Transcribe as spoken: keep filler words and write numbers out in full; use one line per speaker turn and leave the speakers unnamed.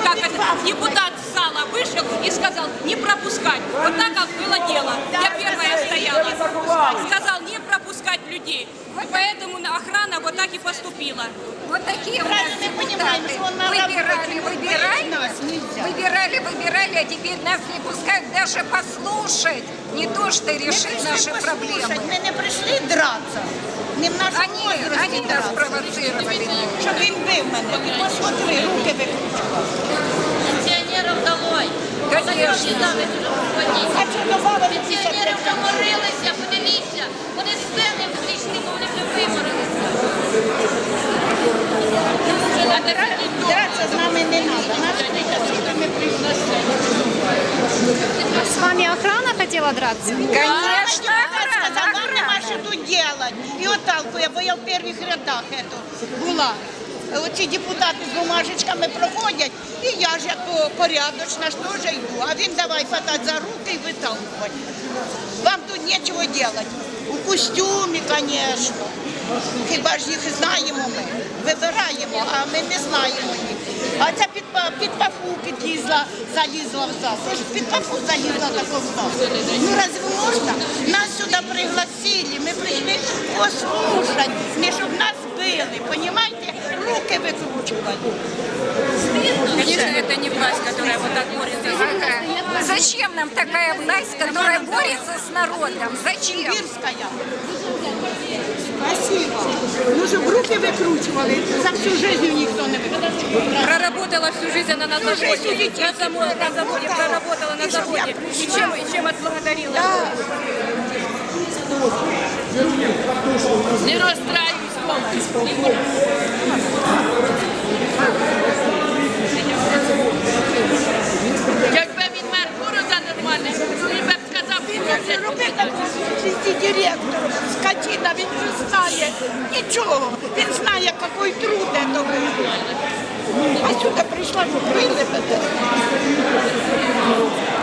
как это, депутат Сала вышел и сказал не пропускать. Вот так как было дело. Я первая стояла. Сказал не пропускать людей. Поэтому охрана вот так и поступила.
Вот такие у нас депутаты. Выбирали, выбирали, выбирали, выбирали, а теперь нас не пускают даже послушать. Не то, что решить наши проблемы.
Мы не пришли драться. Не в нашому
Они,
возрасте
они нас
драться.
провоцировали.
Щоб він бив мене. Ти посмотри, руки викручував.
Пенсіонерів долой.
Конечно.
А що добавили
Пенсіонери вже морилися, подивіться. Вони з сцени зійшли, бо вони вже виморилися.
Драться з нами не треба. Нас прикасили, ми прийшли.
С вами охрана хотела драться?
Конечно,
Сказав,
охрана,
вам нема
охрана.
що тут делать. І отталкує, бо я в перших рядах ето була. Оці депутати з бумажечками проходять, і я ж як порядочна ж теж йду. А він давай хватати за руки і виталкувати. Вам тут нічого делать. У костюмі, звісно. Хіба ж їх знаємо ми? Вибираємо, а ми не знаємо їх. А ця під, па- під пафу підлізла, залізла в зал. Це ж під пафу залізла такого в зал. Ну разве можна? Нас сюди пригласили, ми прийшли послухати, не щоб нас били, понімаєте? Руки викручували.
Конечно, это не власть, которая вот так борется.
Ага. Зачем нам такая власть, которая борется с народом? Зачем?
Вірська. Спасибо. Ну, щоб руки викручували, за всю життя ніхто не викручував.
Проработала всю жизнь она на
Всю
заводе.
жизнь у детей
На заводе, на заводе
Да.
проработала на
И чтоб я
заводе. И
пришла.
чем, и чем отблагодарила? Не расстраивайся, полностью. Якби він мер города нормальний, він би б сказав,
Він не робив такого директор, скотина, він не знає нічого. Він знає, який труд це був. А сюди прийшла, що били мене.